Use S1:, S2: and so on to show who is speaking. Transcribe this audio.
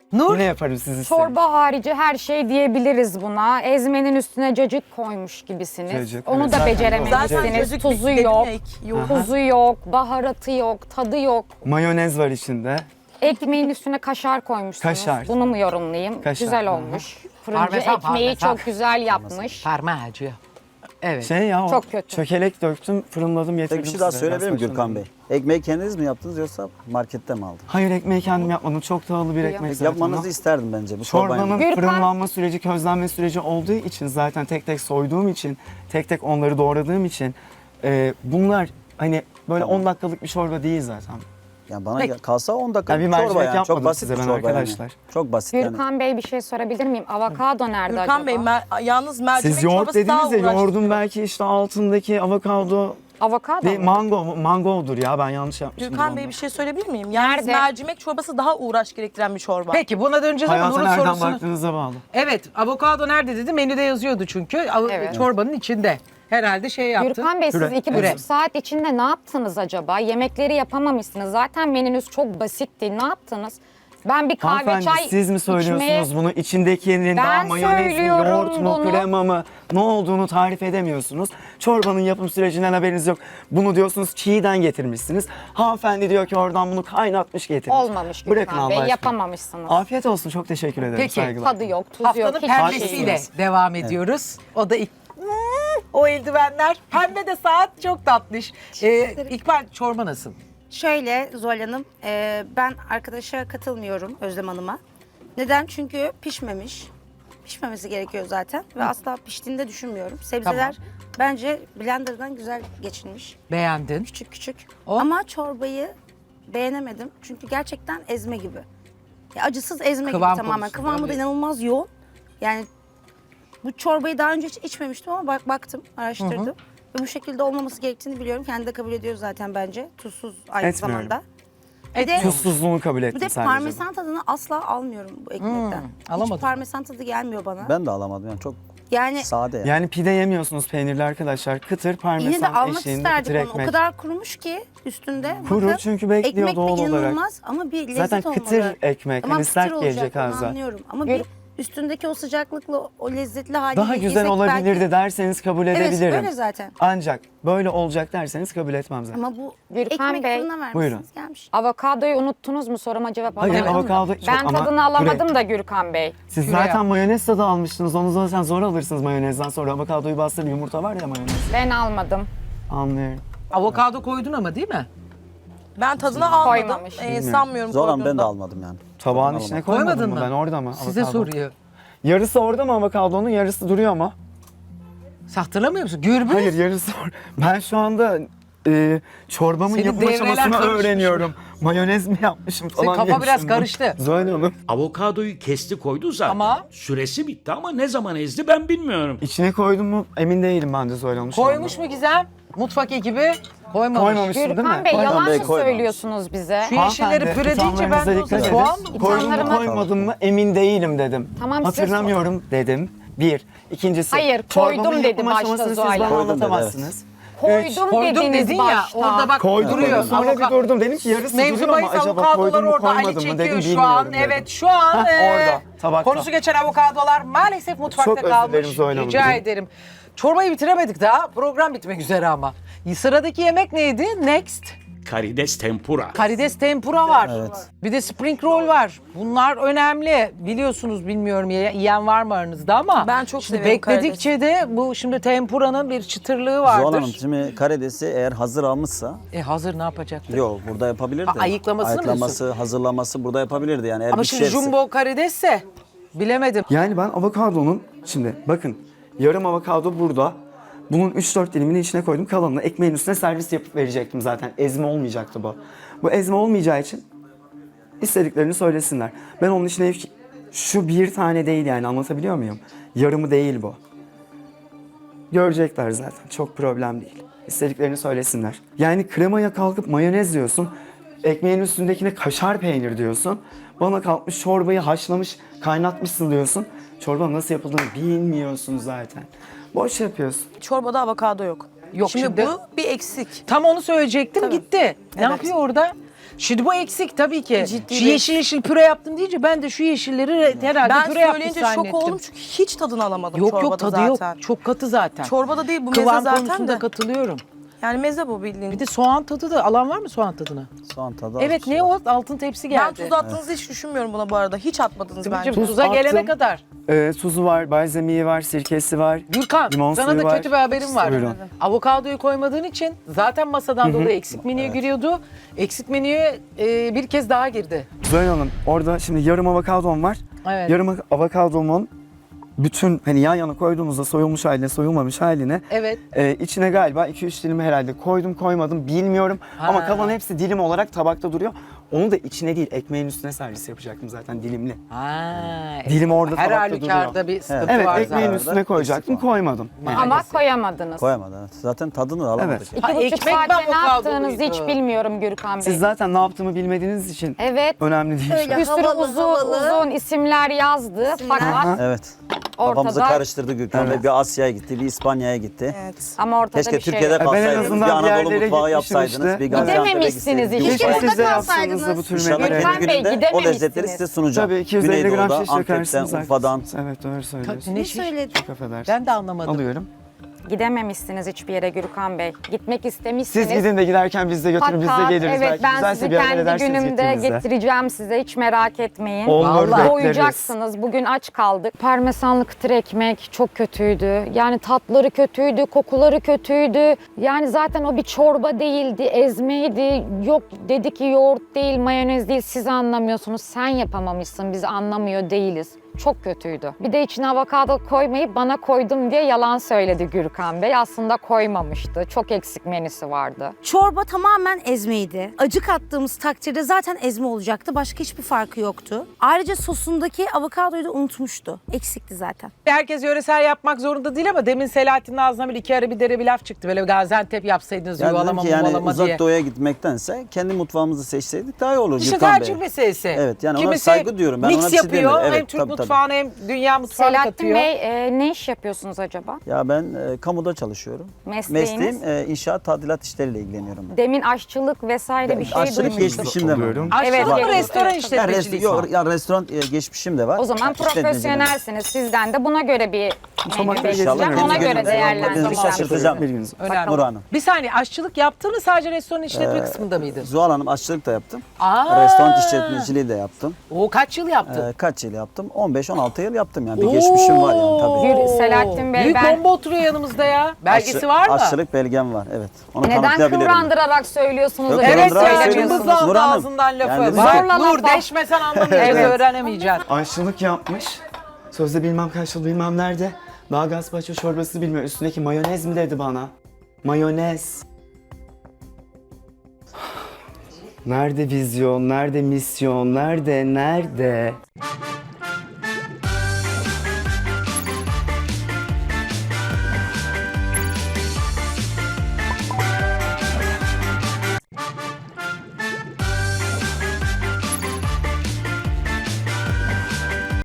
S1: Nur?
S2: Yine yaparım siz isteyin.
S3: Çorba harici her şey diyebiliriz buna. Ezmenin üstüne cacık koymuş gibisiniz.
S2: Cacık,
S3: Onu
S2: evet.
S3: da
S2: Zaten
S3: beceremezsiniz.
S4: cacık
S3: Tuzu
S4: dedim
S3: yok.
S4: ya, yok.
S3: Tuzu yok, baharatı yok, tadı yok.
S2: Mayonez var içinde.
S3: Ekmeğin üstüne kaşar koymuşsunuz.
S2: Kaşar.
S3: Bunu mu yorumlayayım?
S2: Kaşar,
S3: Güzel
S2: hı hı.
S3: olmuş. Fırıncı
S1: Parmesan,
S3: ekmeği
S1: parmesan.
S3: çok güzel yapmış.
S1: Parmağacı. Evet.
S2: Şey ya o
S3: Çok kötü.
S2: çökelek döktüm, fırınladım, getirdim.
S5: Tek bir şey daha
S2: size.
S5: söyleyebilir miyim
S2: Biraz
S5: Gürkan Bey? Ekmeği kendiniz mi yaptınız yoksa markette mi aldınız?
S2: Hayır, ekmeği kendim yapmadım. Çok tağlı bir ekmek zaten.
S5: Yapmanızı
S2: o.
S5: isterdim bence bu çorbayı.
S2: Çorbanın
S3: Gürkan-
S2: fırınlanma süreci, közlenme süreci olduğu için zaten tek tek soyduğum için, tek tek onları doğradığım için bunlar hani böyle
S5: Tamam.
S2: 10 dakikalık bir çorba değil zaten.
S5: Yani bana
S1: Peki.
S5: kalsa 10 dakika
S2: Ya bir
S5: bir çorba
S2: mercimek
S5: yani.
S2: yapmadım
S5: Çok basit
S2: size
S5: bir
S2: ben
S5: çorba
S2: arkadaşlar.
S5: yani. Çok basit yani.
S3: Gürkan Bey bir şey sorabilir miyim? Avokado nerede
S4: Gürkan
S3: acaba?
S4: Bey yalnız mercimek
S2: Siz yoğurt
S4: çorbası daha
S2: dediniz ya, yoğurdun
S4: uğraştırıyor.
S2: belki işte altındaki avokado
S3: Avokado
S2: değil,
S3: mu?
S2: mangodur ya, ben yanlış yapmışım.
S4: Gürkan Bey bir şey söyleyebilir miyim? Yalnız
S3: Nerede?
S4: mercimek çorbası daha uğraş gerektiren bir çorba.
S1: Peki buna döneceğiz ama
S2: Hayata
S1: Nur'un
S2: nereden
S1: sorusunu...
S2: baktığınıza bağlı.
S1: Evet, avokado nerede dedi, menüde yazıyordu çünkü.
S3: Evet.
S1: Çorbanın içinde. Herhalde şey yaptı.
S3: Gürkan Bey siz
S2: Püre.
S3: 2,5
S1: Püre.
S3: saat içinde ne yaptınız acaba? Yemekleri yapamamışsınız. Zaten menünüz çok basitti. Ne yaptınız? Ben bir kahve
S2: Hanımefendi
S3: çay
S2: siz mi söylüyorsunuz
S3: içmeye-
S2: bunu? İçindekinin daha
S3: Ben
S2: mayonez mi,
S3: söylüyorum
S2: yoğurt mu,
S3: bunu.
S2: krema mı, ne olduğunu tarif edemiyorsunuz. Çorbanın yapım sürecinden haberiniz yok. Bunu diyorsunuz çiğden getirmişsiniz. Hanımefendi diyor ki oradan bunu kaynatmış getirmiş.
S3: Olmamış
S2: Bırakın
S3: Gürkan
S2: Allah
S3: Bey.
S2: aşkına.
S3: Yapamamışsınız.
S2: Afiyet olsun, çok teşekkür ederim.
S1: Peki.
S2: Saygılar.
S3: Tadı yok, tuzu
S1: Haftanın
S3: yok. hiçbir şey
S1: pembesiyle
S3: yok.
S1: devam ediyoruz. O da o eldivenler. Pembe de saat çok tatlış. İkbal, çorba nasıl?
S6: Şöyle Zuhal Hanım, ben arkadaşa katılmıyorum Özlem Hanım'a. Neden? Çünkü pişmemiş. Pişmemesi gerekiyor zaten ve asla piştiğini de düşünmüyorum. Sebzeler bence blenderdan güzel geçilmiş.
S1: Beğendin.
S6: Küçük küçük.
S1: O?
S6: Ama çorbayı beğenemedim. Çünkü gerçekten ezme gibi. Ya acısız ezme
S1: Kıvam
S6: gibi tamamen.
S1: konusunda,
S6: Kıvamı da
S1: evet.
S6: inanılmaz yoğun. Yani bu çorbayı daha önce hiç içmemiştim ama baktım, araştırdım. Ve bu şekilde olmaması gerektiğini biliyorum. Kendi de kabul ediyor zaten bence. Tuzsuz aynı
S2: Etmiyorum.
S6: zamanda. Bir de,
S2: Tuzsuzluğunu kabul ettim
S6: bir de
S2: sadece.
S6: parmesan tadını asla almıyorum bu ekmekten.
S1: alamadım.
S6: Hiç parmesan tadı gelmiyor bana.
S5: Ben de alamadım yani çok
S6: Yani
S5: sade yani.
S2: Yani pide yemiyorsunuz peynirli arkadaşlar. Kıtır parmesan
S6: yine de almak
S2: eşliğinde kıtır
S6: isterdik onu. O
S2: ekmek.
S6: kadar kurumuş ki üstünde.
S2: Kuru
S6: Bakın,
S2: çünkü bekliyor
S6: ekmek de
S2: doğal olarak.
S6: inanılmaz ama bir lezzet
S2: Zaten
S6: olmalı.
S2: kıtır ekmek,
S6: Tamam,
S2: hani
S6: kıtır
S2: sert
S6: olacak,
S2: gelecek
S6: onu
S2: ağza.
S6: anlıyorum. Ama
S2: Gör-
S6: bir üstündeki o sıcaklıkla o lezzetli hali
S2: Daha güzel olabilirdi derseniz kabul
S6: Evet,
S2: edebilirim.
S6: öyle zaten.
S2: Ancak böyle olacak derseniz kabul etmem zaten.
S6: Ama bu
S3: Gürkan
S6: ekmek
S3: Bey,
S6: fırına vermişsiniz
S2: buyurun.
S6: gelmiş.
S3: Avokadoyu unuttunuz mu? Soruma cevap
S2: Hayır,
S3: alamadım.
S2: avokado çok
S3: Ben
S2: ama
S3: tadını alamadım
S2: püre.
S3: da Gürkan Bey.
S2: Siz
S1: Püre
S2: zaten
S1: yap.
S2: mayonez tadı almıştınız. Onu zaten zor alırsınız mayonezden sonra. Avokadoyu bastırın, yumurta var ya mayonez.
S3: Ben almadım.
S2: Anlıyorum.
S1: Avokado koydun ama değil mi?
S4: Ben tadına almadım.
S3: Koymamış.
S4: Sanmıyorum
S5: Zoran ben de
S4: koyduğunda.
S5: almadım yani.
S2: Tabağın
S5: Tadını
S2: içine
S5: alamadım.
S2: koymadın
S1: Koymadın
S2: mı?
S1: mı?
S2: Ben orada mı?
S1: Size
S2: avokado?
S1: soruyor.
S2: Yarısı orada mı avokadonun? Yarısı duruyor mu?
S1: Sen hatırlamıyor musun? Gürbüz.
S2: Hayır, yarısı orada. Ben şu anda çorbamın
S1: Senin
S2: yapım
S1: devreler
S2: aşamasını
S1: karışmış.
S2: öğreniyorum. Mayonez mi yapmışım falan
S1: Senin kafa
S2: diye
S1: biraz
S2: düşündüm.
S1: karıştı.
S2: Zuhal Hanım.
S7: Avokadoyu kesti koydu zaten.
S1: Ama-
S7: Süresi bitti ama ne zaman ezdi ben bilmiyorum.
S2: İçine koydum mu emin değilim ben de Zuhal Hanım şu
S1: Koymuş
S2: anda.
S1: mu Gizem? Mutfak ekibi koymamış.
S2: Koymamışsın değil mi?
S3: Gürkan Bey
S5: Koymadım
S3: yalan
S5: Bey,
S3: mı
S5: koymamış.
S3: söylüyorsunuz bize?
S1: Şu yeşilleri
S2: Hanımefendi,
S1: püre deyince ben de o
S2: ithamlarınıza
S1: zaman
S2: dikkat
S1: soğan
S2: edin.
S1: mı?
S2: Koydum mu
S3: İthamlarıma-
S2: koymadım mı emin değilim dedim.
S3: Tamam, siz-
S2: Hatırlamıyorum dedim. Bir. İkincisi.
S3: Hayır,
S2: çorbanın
S3: koydum dedi
S2: yapım
S3: başta
S2: aşamasını siz
S3: Zuhal
S2: bana
S3: Hanım.
S5: Koydum dedi,
S2: anlatamazsınız.
S3: Koydum,
S1: Koydum
S3: dediniz
S1: dedin ya
S3: başta.
S1: orada bak
S2: Koydum
S1: duruyor.
S2: dedim, sonra bir
S1: Avoka-
S2: durdum. Dedim ki yarısı
S1: Mevzu
S2: duruyor ama
S1: bahis
S2: acaba
S1: avokadolar
S2: koydum mu
S1: orada. Ali
S2: koymadım mı
S1: çekiyor
S2: dedim,
S1: şu an.
S2: bilmiyorum dedim.
S1: Evet şu an
S2: orada, tabakta.
S1: konusu geçen avokadolar maalesef mutfakta
S2: Çok özür
S1: kalmış.
S2: dilerim Zuhal Hanım.
S1: Rica ederim. Çorbayı bitiremedik daha. Program bitmek üzere ama. Sıradaki yemek neydi? Next.
S7: Karides tempura.
S1: Karides tempura var.
S5: Evet.
S1: Bir de spring roll var. Bunlar önemli. Biliyorsunuz bilmiyorum yiyen var mı aranızda ama.
S4: Ben çok
S1: şimdi
S4: severim
S1: bekledikçe de bu şimdi tempuranın bir çıtırlığı vardır.
S5: Zuhal Hanım şimdi karidesi eğer hazır almışsa
S1: Hazır ne yapacaktı?
S5: yok burada yapabilirdi.
S1: Ayıklamasını mı
S5: Ayıklaması, hazırlaması burada yapabilirdi yani eğer
S1: Ama
S5: bir
S1: şimdi
S5: şefse.
S1: jumbo karidesse bilemedim.
S2: Yani ben avokadonun, şimdi bakın yarım avokado burada. Bunun 3-4 dilimini içine koydum. Kalanını ekmeğin üstüne servis yapıp verecektim zaten. Ezme olmayacaktı bu. Bu ezme olmayacağı için istediklerini söylesinler. Ben onun içine şu bir tane değil yani, anlatabiliyor muyum? Yarımı değil bu. Görecekler zaten. Çok problem değil. İstediklerini söylesinler. Yani kremaya kalkıp mayonez diyorsun. Ekmeğin üstündekine kaşar peynir diyorsun. Bana kalkmış çorbayı haşlamış, kaynatmışsın diyorsun. Çorbanın nasıl yapıldığını bilmiyorsun zaten. Boş yapıyorsun.
S4: Çorbada avokado yok.
S1: Yok,
S4: Şimdi
S1: şimdi-
S4: bu bir eksik.
S1: Tam onu söyleyecektim gitti. Ne
S4: Evet.
S1: yapıyor orada? Şimdi bu eksik tabii ki.
S6: Ciddi
S1: Şu
S6: bir
S1: yeşil yeşil püre yaptım deyince ben de şu yeşilleri herhalde
S4: Ben
S1: püre yapmış
S4: söyleyince
S1: zannettim.
S4: şok oldum çünkü hiç tadını alamadım
S1: Yok
S4: çorbada
S1: yok tadı
S4: zaten.
S1: yok. Çok katı zaten.
S4: Çorbada değil bu meze
S1: Kıvam
S4: zaten
S1: konusunda
S4: de.
S1: katılıyorum.
S4: Yani meze bu bildiğin.
S1: Bir de soğan tadı da alan var mı soğan tadına?
S5: Soğan tadı
S1: Evet
S5: az
S1: ne
S5: var.
S1: o? Altın tepsi
S4: Ben
S1: geldi.
S4: tuz attığınızı hiç düşünmüyorum buna bu arada. Hiç atmadınız
S1: Sibel'cim,
S4: bence.
S1: tuza gelene
S2: attım.
S1: kadar.
S2: Tuzu var, balzamiği var, sirkesi var.
S1: Gürkan
S2: Limon
S1: sana
S2: suyu
S1: da
S2: var.
S1: kötü bir haberim var.
S2: Buyurun.
S1: Avokadoyu koymadığın için zaten masadan dolayı eksik menüye giriyordu. Eksik menüye bir kez daha girdi.
S2: Zuhal Hanım orada şimdi yarım avokadom var.
S1: Evet.
S2: Yarım avokadomun bütün hani yan yana koyduğumuzda soyulmuş haline, soyulmamış haline
S1: Evet.
S2: içine galiba 2-3 dilimi herhalde koydum koymadım bilmiyorum. Ama kalan hepsi dilim olarak tabakta duruyor. Onu da içine değil ekmeğin üstüne servis yapacaktım zaten dilimli.
S1: Ha,
S2: Dilim orada
S1: her
S2: tabakta
S1: halükarda
S2: duruyor.
S1: bir sıkıntı
S2: Evet
S1: var
S2: ekmeğin
S1: zaten.
S2: üstüne koyacaktım
S5: Eksik var.
S2: koymadım.
S3: Ama koyamadınız.
S5: Koyamadı. Evet. Zaten tadını da alamadık.
S2: Evet.
S1: Ha,
S3: 2,5
S1: ekmek
S3: saatte ne
S1: avokadoluydu.
S3: yaptığınızı hiç bilmiyorum Gürkan Bey.
S2: Siz zaten ne yaptığımı bilmediğiniz için
S3: Evet.
S2: önemli değil.
S6: Öyle.
S3: Bir sürü
S6: Havalı,
S3: uzun isimler yazdı fakat
S5: Evet. Kafamızı
S3: ortada
S5: karıştırdı Gürkan Bey. Bir Asya'ya gitti, bir İspanya'ya gitti.
S4: Evet.
S3: ama ortada
S5: Keşke
S3: bir şey
S5: Türkiye'de
S3: yok.
S2: Ben en
S5: kalsaydınız,
S2: azından
S5: bir
S2: bir
S5: Anadolu
S2: yerlere
S5: mutfağı
S2: gitmiştim
S5: yapsaydınız,
S2: işte.
S5: bir Gaziantep'e
S3: Gidememişsiniz
S5: gitseydiniz.
S3: hiç.
S2: Keşke
S6: Orada
S2: siz de yapsanız da
S6: kalsaydınız.
S2: bu tür
S5: İnşallah
S2: menüleri.
S3: Gürkan
S5: kendi
S3: Bey,
S5: gününde o
S3: gidememişsiniz.
S5: lezzetleri size sunacağım.
S2: Tabii 250 gram
S5: Güneydoğu'da,
S2: şiş
S5: Antep'ten,
S2: yakarsınız.
S5: Urfa'dan.
S2: Evet doğru söylüyorsun.
S1: Ne
S6: Ne söyledin?
S2: Çok affedersin.
S1: Ben de anlamadım.
S2: Alıyorum.
S3: Gidememişsiniz hiçbir yere Gürkan Bey. Gitmek istemişsiniz.
S2: Siz gidin de giderken biz de götürün biz de
S3: Fakat
S2: geliriz.
S3: evet
S2: Belki
S3: ben
S2: güzelse
S3: sizi
S2: bir yerlere
S3: kendi
S2: edersiniz
S3: günümde
S2: gittiğimizde.
S3: getireceğim size hiç merak etmeyin.
S2: Olur,
S1: Vallahi.
S2: bekleriz.
S3: Doyacaksınız. Bugün aç kaldık. Parmesanlı kıtır ekmek çok kötüydü. Yani tatları kötüydü, kokuları kötüydü. Yani zaten o bir çorba değildi, ezmeydi. Yok dedi ki yoğurt değil, mayonez değil. Siz anlamıyorsunuz. Sen yapamamışsın, biz anlamıyor değiliz. Çok kötüydü. Bir de içine avokado koymayıp bana koydum diye yalan söyledi Gürkan Bey. Aslında koymamıştı. Çok eksik menüsü vardı.
S6: Çorba tamamen ezmeydi. Acı kattığımız takdirde zaten ezme olacaktı. Başka hiçbir farkı yoktu. Ayrıca sosundaki avokadoyu da unutmuştu. Eksikti zaten.
S1: Herkes yöresel yapmak zorunda değil ama demin Selahattin'in ağzından bir iki ara bir dere bir laf çıktı. Böyle Gaziantep yapsaydınız
S5: Yani dedim
S1: yuvalama
S5: ki yani
S1: muvalama
S5: uzak
S1: diye.
S5: doğuya gitmektense kendi mutfağımızı seçseydik daha iyi olur
S1: İşte
S5: Gürkan Bey.
S1: tercih meselesi.
S5: Evet, yani ona
S1: Kimisi
S5: saygı duyuyorum. Ben ona
S1: mix
S5: bir şey
S1: yapıyor.
S5: demiyorum.
S1: Hem
S5: Evet,
S1: Türk
S5: tabii, tabii.
S1: mutfağına hem dünya mutfağına
S3: Selahattin
S1: katıyor.
S3: Bey ne iş yapıyorsunuz acaba?
S5: Ya ben kamuda çalışıyorum.
S3: Mesleğiniz?
S5: Mesleğim inşaat tadilat işleriyle ilgileniyorum.
S3: Demin aşçılık vesaire bir şey
S5: Aşçılık
S3: duymuştum.
S5: geçmişim de var.
S2: Oluyorum.
S1: Aşçılık
S3: Evet,
S1: mı
S3: evet.
S1: restoran
S3: Evet.
S1: işletmeciliği?
S5: Yok, ya restoran geçmişim de var.
S3: O zaman
S5: İşletmeciliğim.
S3: profesyonelsiniz. Sizden de buna göre bir menü
S2: İnşallah
S3: bekleyeceğim. Ona göre
S5: gününüzde
S3: değerlendireceğim.
S5: şaşırtacağım.
S2: Bilginiz.
S1: Önemli.
S5: Nur Hanım.
S1: Bir saniye aşçılık yaptın mı sadece restoran işletme kısmında mıydın?
S5: Zuhal Hanım aşçılık da yaptım.
S1: Aa!
S5: Restoran işletmeciliği de yaptım.
S1: O kaç yıl yaptın?
S5: Kaç yıl yaptım? 15-16 yıl yaptım yani. Bir geçmişim var yani tabii.
S3: Yürü, Selahattin Bey,
S1: Büyük
S3: ben-
S1: bomba oturuyor yanımızda ya. Belgesi
S5: Aşçı-
S1: var mı?
S5: Aşçılık belgem var evet. Onu
S3: Neden
S5: kanıtlayabilirim.
S3: kıvrandırarak söylüyorsunuz?
S5: Yok,
S3: da
S1: Evet
S5: kıvrandırarak
S1: ya
S5: söylemiyorsunuz.
S1: hızlı
S5: Nur
S1: aldı
S5: Hanım.
S1: ağzından lafı.
S5: Yani
S1: Bak
S3: zorla
S1: Nur
S3: lafa.
S1: deşmesen anlamıyorsun,
S3: Evet.
S1: öğrenemeyeceksin.
S2: Aşçılık yapmış. Sözde bilmem kaç yıl bilmem nerede. Daha gazpacho çorbası bilmiyor. Üstündeki mayonez mi dedi bana? Mayonez. Nerede vizyon, nerede misyon, nerede?